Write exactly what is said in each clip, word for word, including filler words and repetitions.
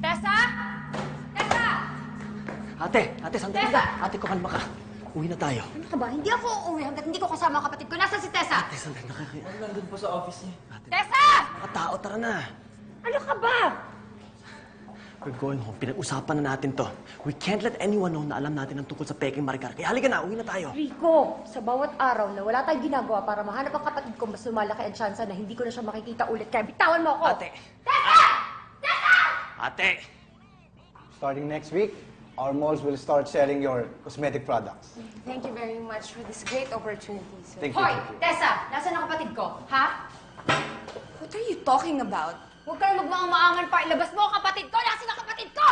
Tessa? Tessa! Ate! Ate, sandali Tessa! lang. Ate, kumalma ka. Uwi na tayo. Ano ka ba? Hindi ako uuwi hanggat hindi ko kasama ang kapatid ko. Nasaan si Tessa? Ate, sandali. Nakakaya. Ano nandun po sa office niya? Ate, Tessa! mga tao, tara na. Ano ka ba? We're going home. Pinag-usapan na natin to. We can't let anyone know na alam natin ang tungkol sa peking Maricar. Kaya halika na, uwi na tayo. Rico, sa bawat araw na wala tayong ginagawa para mahanap ang kapatid ko, mas lumalaki ang tsansa na hindi ko na siya makikita ulit. Kaya bitawan mo ako! Ate! Tessa! Tessa! Ate! Starting next week, our malls will start selling your cosmetic products. Thank you very much for this great opportunity, sir. Thank you. Hoy! thank you. Tessa! Nasaan ang kapatid ko? Ha? What are you talking about? Huwag ka na magmaangan pa. Ilabas mo ang kapatid ko! Nasaan ang kapatid ko?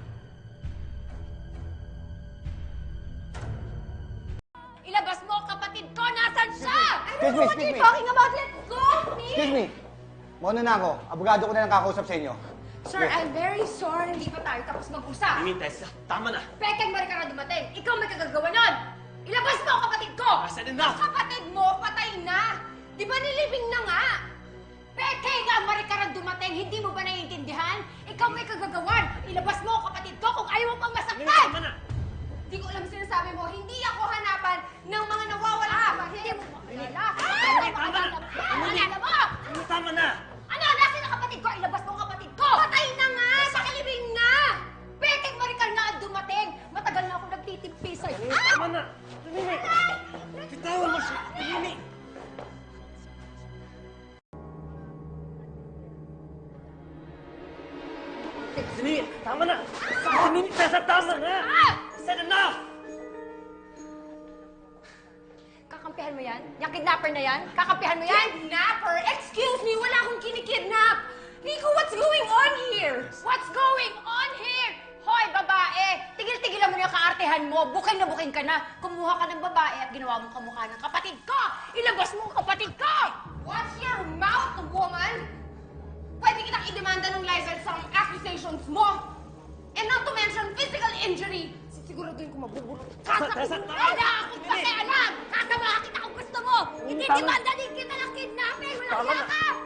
Ilabas mo ang kapatid ko! Nasaan siya? I Excuse don't know me, what excuse you're me. talking about. Let go of me! Excuse me. Mauna na ako. Abogado ko na lang kakausap sa inyo. Sir, I'm very sorry. Hindi pa tayo tapos mag-usap. Mimi, Tessa, tama na. Pekeng Maricar na dumating. Ikaw may kagagawa nun. Ilabas mo ang kapatid ko! I said enough. Ang kapatid mo, patay na. Di ba nilibing na nga? Pekeng ang Maricar ang dumating. Hindi mo ba naiintindihan? Ikaw may kagagawan. Ilabas mo ang kapatid ko kung ayaw mo pang Mimi, masaktan. tama na. Hindi ko alam sinasabi mo. Hindi ako hanapan ng mga nawawala. Ah, hindi mo makilala. Hindi mo makilala. Makilala mo! Mimi, tama na. Ano? Nasaan ang kapatid ko? Ilabas mo ang kapatid ko! Patay na nga! Nakilibing na! Pekeng Maricar na ang dumating. Matagal na ako nagtitimpi sa'yo. Mimi, tama na. Mimi, bitawan mo siya. Mimi. Mimi, tama na. Mimi, Tessa, tama na. I said enough. Kakampihan mo yan? Yung kidnapper na yan? Kakampihan mo yan? Kidnapper? Excuse me, wala akong kinikidnap! Nico, what's going on here? What's going on here? Hoy, babae! Tigil-tigilan mo na yung kaartehan mo. Bukin na bukin ka na. Kumuha ka ng babae at ginawa mong kamukha ng kapatid ko! Ilabas mo ang kapatid ko! Watch your mouth, woman! Pwede kitang idemanda ng Lizard sa accusations mo! And not to mention physical injury! Siguraduhin ko mabubulot ka sa Tessa, ulo! tama! Wala akong pakialam! Kasama kita kung gusto mo! Hindi tama. demanda din kita ng kidnapping! Walang Tama hiya na. ka!